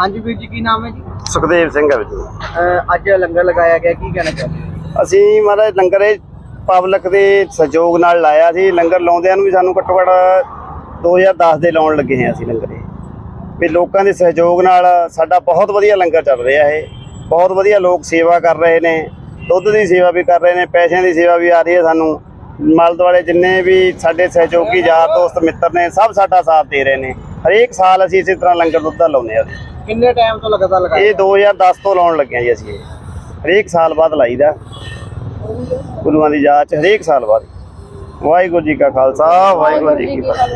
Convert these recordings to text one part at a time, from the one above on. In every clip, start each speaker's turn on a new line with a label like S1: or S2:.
S1: हाँ जी वीर जी की नाम है जी?
S2: सुखदेव सिंह है जी।
S1: ਅੱਜ ਲੰਗਰ ਲਗਾਇਆ ਗਿਆ ਕੀ ਕਹਿਣਾ ਚਾਹੁੰਦੇ ਹੋ?
S2: ਅਸੀਂ ਮਹਾਰਾਜ ਲੰਗਰ ਇਹ ਪਬਲਿਕ ਦੇ ਸਹਿਯੋਗ ਨਾਲ ਲਾਇਆ ਸੀ। ਲੰਗਰ ਲਾਉਂਦਿਆਂ ਨੂੰ ਵੀ ਸਾਨੂੰ ਘੱਟੋ ਘੱਟ 2010 ਦੇ ਲਾਉਣ ਲੱਗੇ ਹਾਂ ਅਸੀਂ ਲੰਗਰ ਇਹ ਵੀ ਲੋਕਾਂ ਦੇ ਸਹਿਯੋਗ ਨਾਲ ਸਾਡਾ ਬਹੁਤ ਵਧੀਆ ਲੰਗਰ ਚੱਲ ਰਿਹਾ ਇਹ। ਬਹੁਤ ਵਧੀਆ ਲੋਕ ਸੇਵਾ ਕਰ ਰਹੇ ਨੇ, ਦੁੱਧ ਦੀ ਸੇਵਾ ਵੀ ਕਰ ਰਹੇ ਨੇ, ਪੈਸਿਆਂ ਦੀ ਸੇਵਾ ਵੀ ਆ ਰਹੀ ਹੈ ਸਾਨੂੰ। ਮਲ ਦੁਆਲੇ ਜਿੰਨੇ ਵੀ ਸਾਡੇ ਸਹਿਯੋਗੀ ਯਾਰ ਦੋਸਤ ਮਿੱਤਰ ਨੇ ਸਭ ਸਾਡਾ ਸਾਥ ਦੇ ਰਹੇ ਨੇ। ਹਰੇਕ ਸਾਲ ਅਸੀਂ ਇਸੇ ਤਰ੍ਹਾਂ ਲੰਗਰ ਦੁੱਧ ਦਾ ਲਾਉਂਦੇ ਹਾਂ।
S1: ਕਿੰਨੇ ਟਾਈਮ ਤੋਂ ਲਗਾਤਾਰ ਲਗਾਇਆ?
S2: ਇਹ 2010 ਤੋਂ ਲਾਉਣ ਲੱਗੇ ਜੀ ਅਸੀਂ। ਹਰੇਕ ਸਾਲ ਬਾਅਦ ਲਾਈਦਾ ਗੁਰੂਆਂ ਦੀ ਯਾਦ ਚ, ਹਰੇਕ ਸਾਲ ਬਾਅਦ। ਵਾਹਿਗੁਰੂ ਜੀ ਕਾ ਖਾਲਸਾ, ਵਾਹਿਗੁਰੂ ਜੀ ਕੀ ਫਤਿਹ।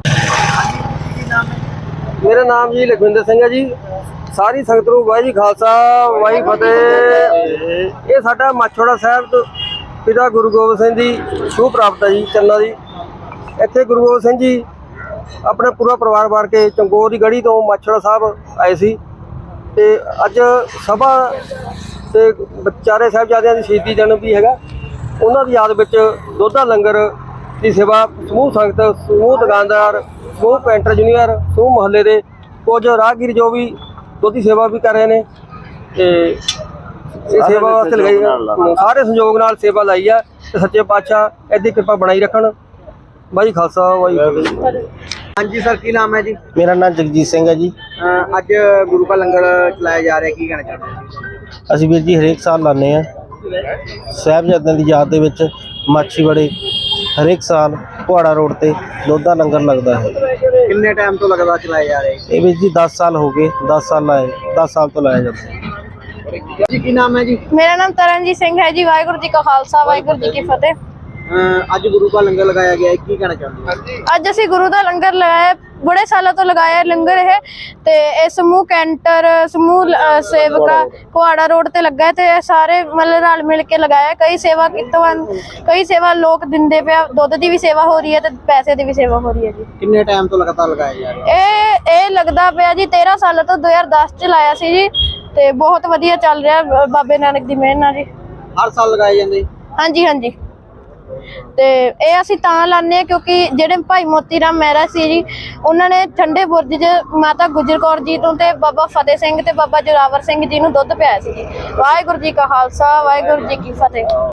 S3: मेरा नाम जी लखविंदर सिंह है जी। सारी संगत नूं वाहिगुरू जी खालसा वाहिगुरू फतेह। ये साडा माछोड़ा साहब तो पिता गुरु गोबिंद सिंह जी छूह प्राप्त है जी चन्ना दी। इत्थे गुरु गोबिंद सिंह जी अपना पूरा परिवार वार के चंगोर की गढ़ी तो माछोड़ा साहब आए सी ते अज सभा ते चारे साहिबजादियां दी शहीदी दिन भी हैगा। उन्हां दी याद विच दुध दा लंगर की सेवा समूह संगत, समूह दुकानदार, समूह पेंटर जूनियर, समूह मुहल्ले के कुछ राहगीर जो भी दुध की सेवा भी कर रहे हैं। सेवा वास्ते लगाई सारे संयोग नाल सेवा लाई है। सच्चे पातशाह इहदी कृपा बनाई रखन। भाई खालसा वाहिगुरू।
S1: हाँ जी सर की नाम है जी?
S3: मेरा नाम जगजीत सिंह है जी।
S1: ਅੱਜ ਗੁਰੂ का लंगर चलाया जा रहा है की कहना चाहते हो?
S3: ਅਸੀਂ ਵੀਰ ਜੀ ਹਰੇਕ ਸਾਲ ਲਾਉਂਦੇ ਹਾਂ। ਸਾਹਿਬਜ਼ਾਦਿਆਂ ਦੀ ਯਾਦ ਦੇ ਵਿੱਚ ਮਾਛੀਵਾੜੇ ਹਰੇਕ ਸਾਲ ਪੁਹਾੜਾ ਰੋਡ ਤੇ ਦੁੱਧ ਦਾ ਲੰਗਰ ਲੱਗਦਾ ਹੈ।
S1: ਕਿੰਨੇ ਟਾਈਮ ਤੋਂ ਲਗਾਤਾਰ ਚਲਾਏ ਜਾ ਰਹੇ?
S3: ਇਹ ਵੀਰ ਜੀ 10 ਸਾਲ ਹੋ ਗਏ। 10 ਸਾਲ ਲਾਏ, 10 ਸਾਲ ਤੋਂ ਲਾਇਆ ਜਾਂਦਾ ਹੈ।
S1: ਜੀ ਕੀ ਨਾਮ ਹੈ ਜੀ?
S4: मेरा नाम तरनजीत सिंह है जी। वाहिगुरू जी का खालसा वाहिगुरू जी की फतेह।
S1: ਅੱਜ ਗੁਰੂ का लंगर लगाया गया है की कहना चाहते हो?
S4: ਅੱਜ ਅਸੀਂ ਗੁਰੂ ਦਾ ਲੰਗਰ ਲਗਾਇਆ, ਬੜੇ ਸਾਲਾਂ ਤੋਂ ਲਗਾਇਆ ਲੰਗਰ ਇਹ। ਤੇ ਇਹ ਸਮੂਹ ਕੈਂਟਰ, ਸਮੂਹ ਸੇਵਕਾ ਕੁਹਾੜਾ ਰੋਡ ਤੇ ਲੱਗਾ ਤੇ ਇਹ ਸਾਰੇ ਮਤਲਬ ਰਲ ਮਿਲ ਕੇ ਲਗਾਇਆ। ਕਈ ਸੇਵਾ ਕਈ ਸੇਵਾ ਲੋਕ ਦਿੰਦੇ ਪਿਆ। ਦੁੱਧ ਦੀ ਵੀ ਸੇਵਾ ਹੋ ਰਹੀ ਹੈ ਤੇ ਪੈਸੇ ਦੀ ਵੀ ਸੇਵਾ ਹੋ ਰਹੀ ਹੈ ਜੀ।
S1: ਕਿੰਨੇ ਟਾਈਮ ਤੋਂ ਲਗਾਤਾਰ ਲਗਾਇਆ ਜਾ ਰਿਹਾ?
S4: ਇਹ ਲੱਗਦਾ ਪਿਆ ਜੀ 13 ਸਾਲਾਂ ਤੋਂ 2010 ਚ ਲਾਇਆ ਸੀ ਜੀ ਤੇ ਬਹੁਤ ਵਧੀਆ ਚੱਲ ਰਿਹਾ ਬਾਬੇ ਨਾਨਕ ਦੀ ਮਿਹਰ ਨਾਲ ਜੀ।
S1: ਹਰ ਸਾਲ ਲਗਾਏ ਜਾਂਦੇ?
S4: ਹਾਂਜੀ ਹਾਂਜੀ। ਤੇ ਇਹ ਅਸੀਂ ਤਾਂ ਲਾਉਂਦੇ ਕਿਉਂਕਿ ਜਿਹੜੇ ਭਾਈ ਮੋਤੀ ਰਾਮ ਮਹਿਰਾ ਸੀ ਜੀ, ਉਹਨਾਂ ਨੇ ਠੰਡੇ ਬੁਰਜ 'ਚ ਮਾਤਾ ਗੁਜਰ ਕੌਰ ਜੀ ਨੂੰ ਤੇ ਬਾਬਾ ਫਤਿਹ ਸਿੰਘ ਤੇ ਬਾਬਾ ਜੋਰਾਵਰ ਸਿੰਘ ਜੀ ਨੂੰ ਦੁੱਧ ਪਿਆਇਆ ਸੀ ਜੀ। ਵਾਹਿਗੁਰੂ ਜੀ ਕਾ ਖਾਲਸਾ, ਵਾਹਿਗੁਰੂ ਜੀ ਕੀ ਫਤਿਹ।